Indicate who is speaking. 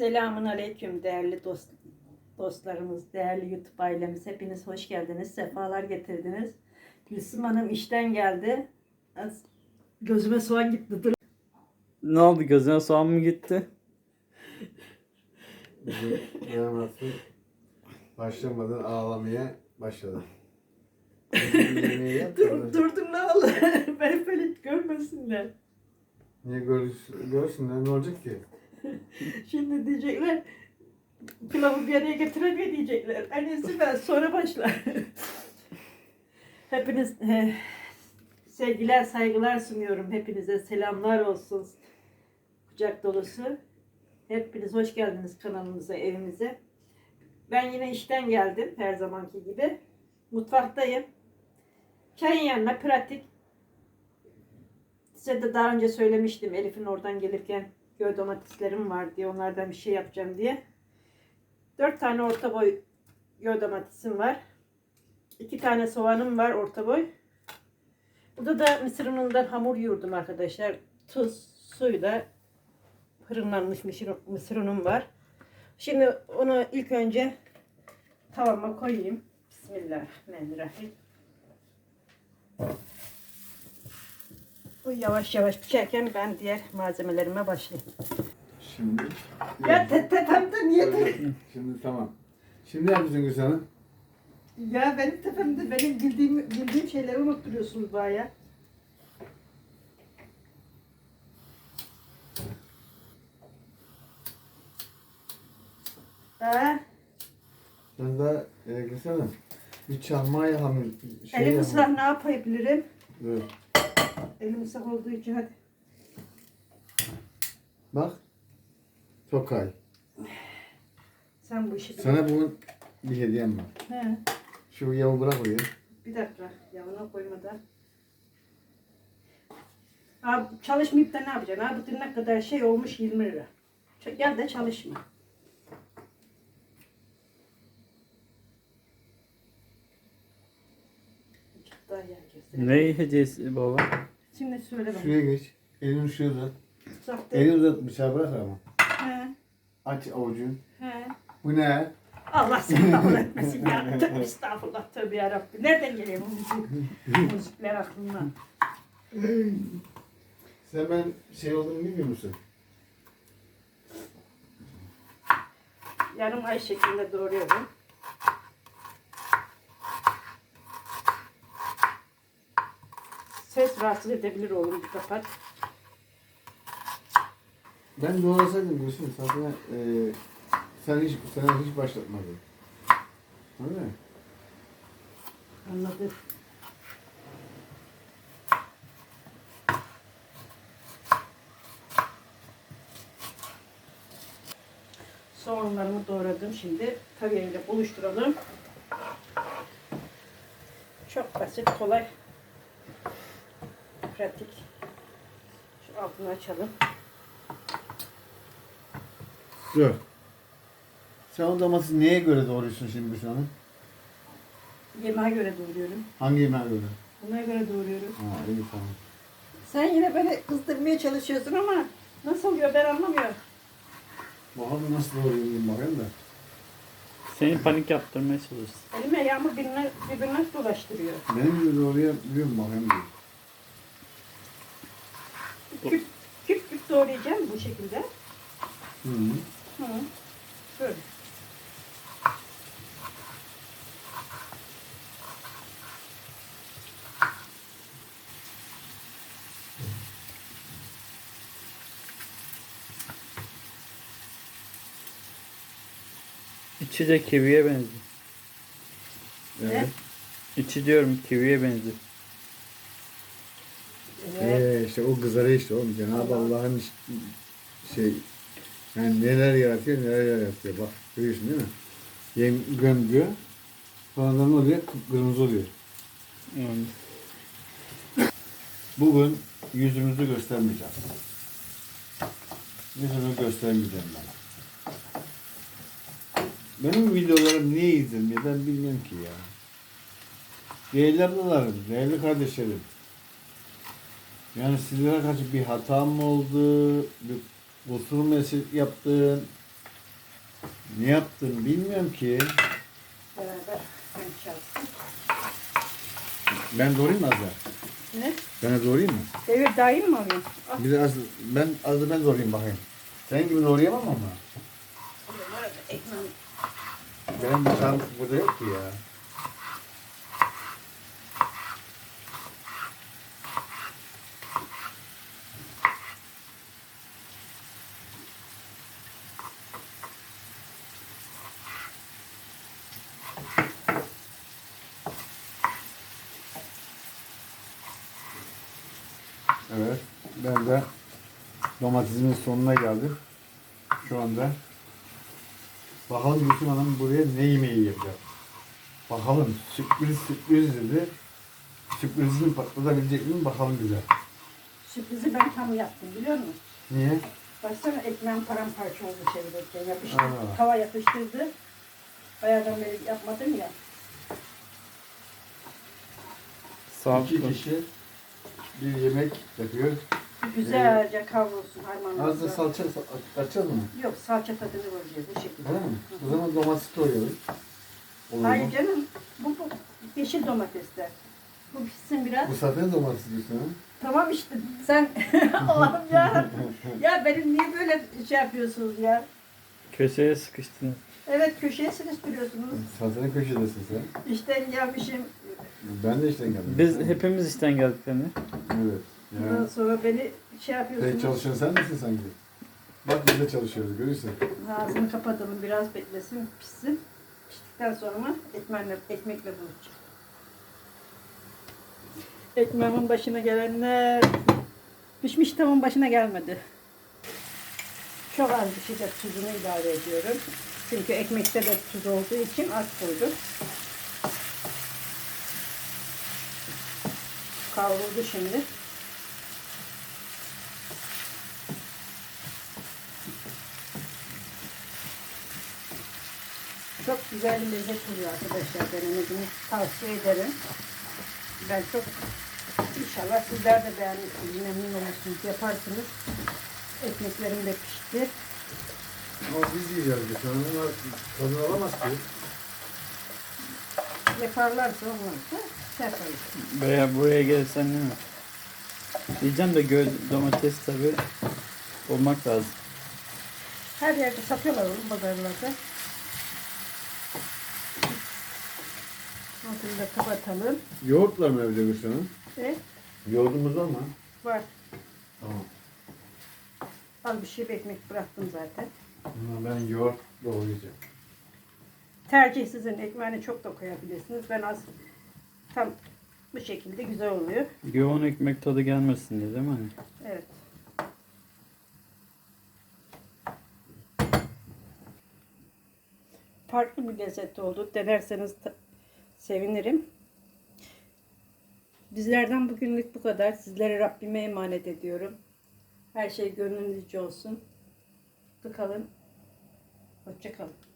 Speaker 1: Selamun aleyküm değerli dostlarımız, değerli YouTube ailemiz. Hepiniz hoş geldiniz, sefalar getirdiniz. Gülsüm Hanım işten geldi. Gözüme soğan gitti. Dur.
Speaker 2: Ne oldu, gözüne soğan mı gitti?
Speaker 3: Yaması başlamadan ağlamaya başladı. Yemeği yap,
Speaker 1: Durdum ne olur. Ben böyle görmesinler.
Speaker 3: Niye görsünler, ne olacak ki?
Speaker 1: Şimdi diyecekler, pilavı bir araya getiremiyor diyecekler. Annesi ben sonra başlar. Hepiniz sevgiler, saygılar sunuyorum. Hepinize selamlar olsun. Kucak dolusu. Hepiniz hoş geldiniz kanalımıza, evimize. Ben yine işten geldim her zamanki gibi. Mutfaktayım. Çayın yanına pratik. Size de daha önce söylemiştim, Elif'in oradan gelirken göl domateslerim var diye, onlardan bir şey yapacağım diye. 4 tane orta boy göl domatesim var. 2 tane soğanım var orta boy. Burada da mısır unundan hamur yoğurdum arkadaşlar. Tuz, suyla fırınlanmış mısır unum var. Şimdi onu ilk önce tavama koyayım. Bismillahirrahmanirrahim. Bu yavaş yavaş pişerken ben diğer malzemelerime başlayayım.
Speaker 3: Şimdi.
Speaker 1: Ya tepemde niye?
Speaker 3: Şimdi tamam. Şimdi ne yapıyorsun Gülsün Hanım?
Speaker 1: Ya benim tepemde benim bildiğim şeyleri unutturuyorsunuz baya. Ha?
Speaker 3: Ben de Gülsün Hanım bir çalmaya hamur
Speaker 1: Elim ıslak ne yapabilirim?
Speaker 3: Evet.
Speaker 1: Elim ıslak olduğu için hadi.
Speaker 3: Bak. Tokay.
Speaker 1: Sen bu işi
Speaker 3: Sana bugün bir hediyem var.
Speaker 1: He.
Speaker 3: Şu yağı bırak oraya.
Speaker 1: Bir dakika. Yağına koymadan. Abi çalışmayıp da ne yapacaksın? Abi tırnak kadar şey olmuş 20 lira. Gel de çalışma. Daha yer kesin.
Speaker 2: Ne hediyesi baba?
Speaker 1: Şimdi söyle bana.
Speaker 3: Şuraya geç. Elini şuraya uzat.
Speaker 1: Sahte.
Speaker 3: Elini uzat, bıçağı bırak ama.
Speaker 1: He.
Speaker 3: Aç avucunu.
Speaker 1: He.
Speaker 3: Bu ne?
Speaker 1: Allah seni kabul etmesin ya. Tövbe estağfurullah, tövbe yarabbim. Nereden geliyor bu müzikler aklına?
Speaker 3: Sen ben şey olduğunu bilmiyor musun?
Speaker 1: Yarım ay şeklinde doğruyorum. Ses rahatsız edebilir oğlum, bir kapat.
Speaker 3: Ben doğrasaydım Gülsün, zaten sana hiç başlatmadım. Öyle mi?
Speaker 1: Anladım. Soğanlarımı doğradım, şimdi tavayla buluşturalım. Çok basit, kolay, pratik. Şu altını açalım.
Speaker 3: Dur. Sen o domatesi neye göre doğruyorsun şimdi Gülsün Hanım?
Speaker 1: Yemeğe göre doğruyorum.
Speaker 3: Hangi yemeğe göre?
Speaker 1: Buna göre doğruyorum.
Speaker 3: Ha, iyi tamam.
Speaker 1: Sen yine beni kızdırmaya çalışıyorsun ama nasıl oluyor ben anlamıyorum.
Speaker 3: Bakalım nasıl doğruyorum bakayım da.
Speaker 2: Seni panik yaptırmaya çalışsın.
Speaker 1: Elime yağmur birbirine dolaştırıyor.
Speaker 3: Benim gibi doğrayabiliyorum bakayım diyor.
Speaker 1: Küp küp doğrayacağım bu şekilde.
Speaker 3: Hı.
Speaker 1: Hı. Böyle.
Speaker 2: İçi de kiviye benziyor.
Speaker 3: Evet.
Speaker 2: İçi diyorum kiviye benziyor.
Speaker 1: Evet.
Speaker 3: İşte o kızarı işte oğlum. Cenab-ı Allah'ın şey yani neler yaratıyor neler yaratıyor. Bak görüyorsun değil mi? Yem gömdüyor. Sonradan oluyor kıpkırmızı oluyor.
Speaker 2: Yani.
Speaker 3: Bugün yüzümüzü göstermeyeceğiz. Yüzümü göstermeyeceğim ben. Benim videolarım niye izlenmiyor ben bilmiyorum ki ya. Değerli ablalarım, değerli kardeşlerim. Yani sizlere karşı bir hatam mı oldu, bir kusur mu yaptım, Ne yaptın bilmiyorum ki.
Speaker 1: Beraber konuşalım.
Speaker 3: Ben doğrayayım mı az daha?
Speaker 1: Ne?
Speaker 3: Ben de doğrayayım mı?
Speaker 1: Devir dahil mi alayım?
Speaker 3: Bir de az da ben doğrayayım bakayım. Senin gibi doğrayamam ama.
Speaker 1: Ekmeğim.
Speaker 3: Benim bıçağım burada yok ki ya. Evet, ben de domatesimin sonuna geldim. Şu anda. Bakalım Gülsüm Hanım buraya ne yemeği yapacak. Bakalım sürpriz dedi. Sürprizini patlatabilecek mi bakalım bize.
Speaker 1: Sürprizi ben tam yaptım biliyor musun?
Speaker 3: Niye?
Speaker 1: Baksana ekmeğim paramparça oldu çevirirken. Yapıştı.
Speaker 3: Aa.
Speaker 1: Tava yapıştırdı. Bayağıdan beri yapmadım ya.
Speaker 2: Sağlıklı.
Speaker 3: 2 kişi bir yemek yapıyor.
Speaker 1: Güzelce kavrulsun harmanla.
Speaker 3: Az da salça atacağız mı?
Speaker 1: Yok salça tadını vereceğiz bu şekilde.
Speaker 3: Öyle mi? O zaman domates doğruyoruz. Olur mu?
Speaker 1: Hayır canım. Bu yeşil domatesler. Bu pişsin biraz.
Speaker 3: Bu zaten domates diyorsun ha?
Speaker 1: Tamam işte sen Allah'ım ya. Ya benim niye böyle şey yapıyorsunuz ya?
Speaker 2: Köşeye sıkıştın.
Speaker 1: Evet köşeye sıkıştırıyorsunuz.
Speaker 3: Zaten köşedesin sen.
Speaker 1: İşten gelmişim.
Speaker 3: Ben de işten geldim.
Speaker 2: Biz hepimiz işten geldik yani.
Speaker 3: Evet.
Speaker 1: Ondan
Speaker 3: Ya.
Speaker 1: sonra beni şey yapıyorsunuz.
Speaker 3: Tek çalışan sen misin sanki? Bak biz de çalışıyoruz görüyorsun.
Speaker 1: Ağzını kapatalım biraz beklesin pişsin. Piştikten sonra ekmekle buluşacağım. Ekmeğimin başına gelenler pişmiş tavuğun başına gelmedi. Çok az bir şey de tuzunu ilave ediyorum. Çünkü ekmekte de tuz olduğu için az koydum. Kavruldu şimdi. Çok güzel bir lezzet oluyor arkadaşlar. Denemenizi tavsiye ederim. Ben çok inşallah sizler de beğenirsiniz. Memnun olursunuz. Yaparsınız. Ekmeklerim de pişti.
Speaker 3: Ama biz yiyeceğiz bir tane. Bunlar tadını alamaz ki.
Speaker 1: Yaparlarsa olmazsa şey yaparız.
Speaker 2: Veya buraya gelsen değil mi? Diyeceğim de domates tabi olmak lazım.
Speaker 1: Her yerde satıyorlar onu pazarlarda. Altını da kapatalım.
Speaker 3: Yoğurtla mı evde Gülsün Hanım?
Speaker 1: Ve
Speaker 3: Yoğurdumuz var mı?
Speaker 1: var.
Speaker 3: Tamam.
Speaker 1: Az bir şey ekmek bıraktım zaten.
Speaker 3: Ama ben yoğurt doğrayacağım.
Speaker 1: Tercih sizin. Ekmeğini çok da koyabilirsiniz. Ben az tam bu şekilde güzel oluyor.
Speaker 2: Yoğun ekmek tadı gelmesin diye değil mi? Hani?
Speaker 1: Evet. Farklı bir lezzet oldu. Denerseniz sevinirim. Bizlerden bugünlük bu kadar. Sizlere Rabbime emanet ediyorum. Her şey gönlünüzce olsun. Mutlu kalın. Hoşça kalın.